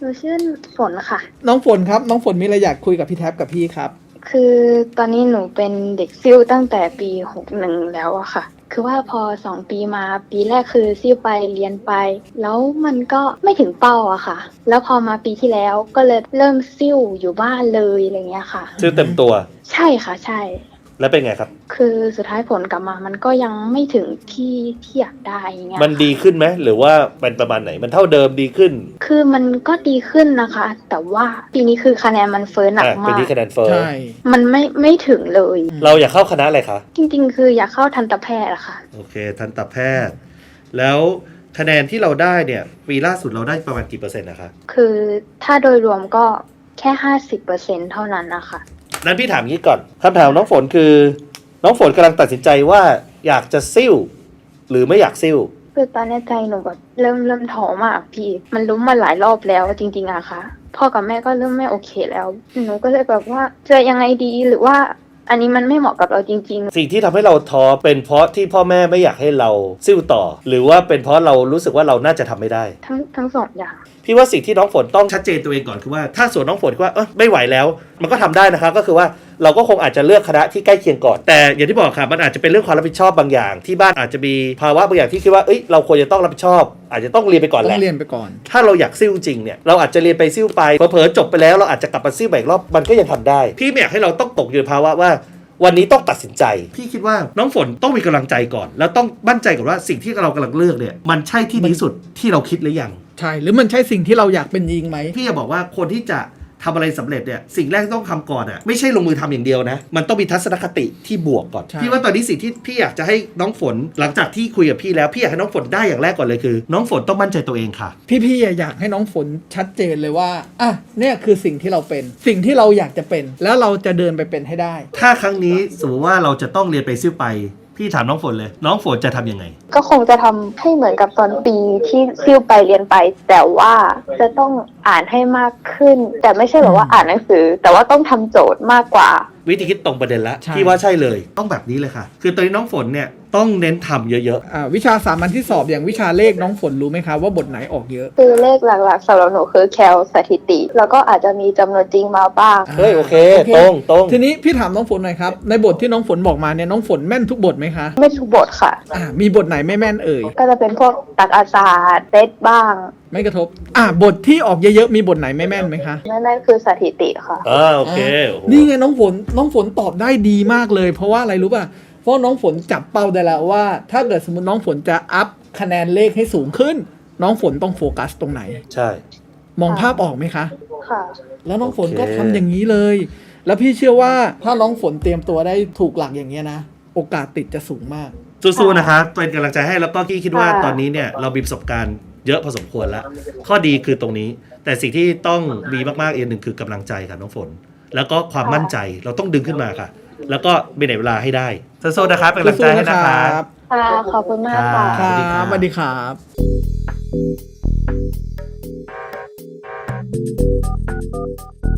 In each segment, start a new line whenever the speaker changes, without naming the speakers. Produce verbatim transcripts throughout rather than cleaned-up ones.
หนูชื่อฝนค่ะ
น้องฝนครับน้องฝนมีอะไรอยากคุยกับพี่แท็บกับพี่ครับ
คือตอนนี้หนูเป็นเด็กซิ่วตั้งแต่ปีหกหนึ่งแล้วอะค่ะคือว่าพอสองปีมาปีแรกคือซิ่วไปเรียนไปแล้วมันก็ไม่ถึงเป้าอะค่ะแล้วพอมาปีที่แล้วก็เลยเริ่มซิ่วอยู่บ้านเลยอะไรเงี้ยค่ะ
ซิ่วเต็มตัว
ใช่ค่ะใช่
แล้วเป็นไงครับ
คือสุดท้ายผลกลับมามันก็ยังไม่ถึงที่ที่อยากได้อย่างเงี้ย
มันดีขึ้นไหมหรือว่าเป็นประมาณไหนมันเท่าเดิมดีขึ้น
คือมันก็ดีขึ้นนะคะแต่ว่าปีนี้คือคะแนนมันเฟ้อหนักมาก
ปีนี้คะแนนเฟ้อ
ใช่
มันไม่ไม่ถึงเลย
เราอยากเข้าคณะอะไรคะ
จริงๆคืออยากเข้าทันตแพทย์อะค่ะ
โอเคทันตแพทย์แล้วคะแนนที่เราได้เนี่ยปีล่าสุดเราได้ประมาณกี่เปอร์เซ็นต์นะคะ
คือถ้าโดยรวมก็แค่ ห้าสิบเปอร์เซ็นต์ เท่านั้นนะคะ
นั้นพี่ถามงี้ก่อนคำถามน้องฝนคือน้องฝนกำลังตัดสินใจว่าอยากจะซิ่วหรือไม่อยากซิ่ว
คือตอนนี้ใจหนูแบบเริ่มเริ่มท้อมากพี่มันล้มมาหลายรอบแล้วจริงๆอะค่ะพ่อกับแม่ก็เริ่มไม่โอเคแล้วหนูก็เลยแบบว่าจะยังไงดีหรือว่าอันนี้มันไม่เหมาะกับเราจริง
ๆสิ่งที่ทำให้เราท้อเป็นเพราะที่พ่อแม่ไม่อยากให้เราซิ่วต่อหรือว่าเป็นเพราะเรารู้สึกว่าเราน่าจะทำไม่ได้
ทั้งทั้งสองอย่าง
พี่ว่าสิ่งที่น้องฝนต้องชัดเจนตัวเองก่อนคือว่าถ้าส่วนน้องฝนว่าเออไม่ไหวแล้วมันก็ทำได้นะคะก็คือว่าเราก็คงอาจจะเลือกคณะที่ใกล้เคียงก่อนแต่อย่างที่บอกค่ะมันอาจจะเป็นเรื่องความรับผิดชอบบางอย่างที่บ้านอาจจะมีภาวะบางอย่างที่คิดว่าเอ้ยเราควรจะต้องรับผิดชอบอาจจะต้องเรียนไปก่อนแหละ
ต้องเรียนไปก่อน
ถ้าเราอยากซิ่วจริงเนี่ยเราอาจจะเรียนไปซิ่วไปเผลอๆจบไปแล้วเราอาจจะกลับมาซิ่วอีกรอบมันก็ยังทำได้พี่ไม่อยากให้เราต้องตกอยู่ในภาวะว่าวันนี้ต้องตัดสินใจพี่คิดว่าน้องฝนต้องมีกำลังใจก่อนแล้วต้องมั่นใจก่อนว่าสิ่งที่เรากำลังเลือกเนี่ยมันใช่ที่ดีสุดที่เราคิดหรือยัง
ใช่หรือมันใช่สิ่งที่เราอยากเป็นจริงไหม
พี่จะบอกว่าคนที่จะทำอะไรสำเร็จเนี่ยสิ่งแรกที่ต้องทำก่อนอ่ะไม่ใช่ลงมือทำอย่างเดียวนะมันต้องมีทัศนคติที่บวกก่อนพี่ว่าตอนนี้สิ่งที่พี่อยากจะให้น้องฝนหลังจากที่คุยกับพี่แล้วพี่อยากให้น้องฝนได้อย่างแรกก่อนเลยคือน้องฝนต้องมั่นใจตัวเองค่ะ
พี่ๆอยากให้น้องฝนชัดเจนเลยว่าอ่ะเนี่ยคือสิ่งที่เราเป็นสิ่งที่เราอยากจะเป็นแล้วเราจะเดินไปเป็นให้ได้
ถ้าครั้งนี้สมมติว่าเราจะต้องเรียนไปซิ่วไปพี่ถามน้องฝนเลยน้องฝนจะทำยังไง
ก็คงจะทำให้เหมือนกับตอนปีที่ซิ่วไปเรียนไปแต่ว่าจะต้องอ่านให้มากขึ้นแต่ไม่ใช่แบบว่าอ่านหนังสือแต่ว่าต้องทำโจทย์มากกว่า
วิธีคิดตรงประเด็นละพี่ว่าใช่เลยต้องแบบนี้เลยค่ะคือตอนนี้น้องฝนเนี่ยต้องเน้นทำเยอะ
ๆอ่าวิชาสามัญที่สอบอย่างวิชาเลขน้องฝนรู้ไหมคะว่าบทไหนออกเยอะ
คือเลขหลักๆสำหรับหนูคือแคลสถิติแล้วก็อาจจะมีจำนวนจริงมาบ้าง
เฮ้ยโอเคตรงตรง
ทีนี้พี่ถามน้องฝนหน่อยครับในบทที่น้องฝนบอกมาเนี่ยน้องฝนแม่นทุกบทไหมคะ
ไม่ทุกบทค่ะ
อ่ามีบทไหนไม่แม่นเอ่ย
ก็จะเป็นพวกตรรกศาสตร์เซตบ้าง
ไม่กระทบอ่าบทที่ออกเยอะๆมีบทไหนไม่แม่นไหมคะ
ไม่แม่นคือสถิติค่ะ
อ่าโอเค
นี่ไงน้องฝนน้องฝนตอบได้ดีมากเลยเพราะว่าอะไรรู้ป่ะเพราะน้องฝนจับเป้าได้แล้วว่าถ้าเกิดสมมติน้องฝนจะอัพคะแนนเลขให้สูงขึ้นน้องฝนต้องโฟกัสตรงไหน
ใช่
มองภาพออกไหมคะ
ค่ะ
แล้วน้องฝนก็ทำอย่างนี้เลยแล้วพี่เชื่อว่าถ้าน้องฝนเตรียมตัวได้ถูกหลักอย่างเงี้ยนะโอกาสติดจะสูงมาก
สู้ๆนะคะเป็นกำลังใจให้แล้วก็พี่คิดว่าตอนนี้เนี่ยเรามีประสบการณ์เยอะพอสมควรแล้วข้อดีคือตรงนี้แต่สิ่งที่ต้องมีมากๆอีกหนึ่งคือกำลังใจค่ะน้องฝนแล้วก็ความมั่นใจเราต้องดึงขึ้นมาค่ะแล้วก็มีเวลาให้ได้สู้ๆนะครับเป็นกำลังใจให้นะครับ
ค่ะขอบคุณมากค่ะ
ครับสวัสดีครับ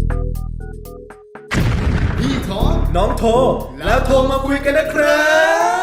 พี่ท้อน้องโทรแล้วโทรมาคุยกันนะครับ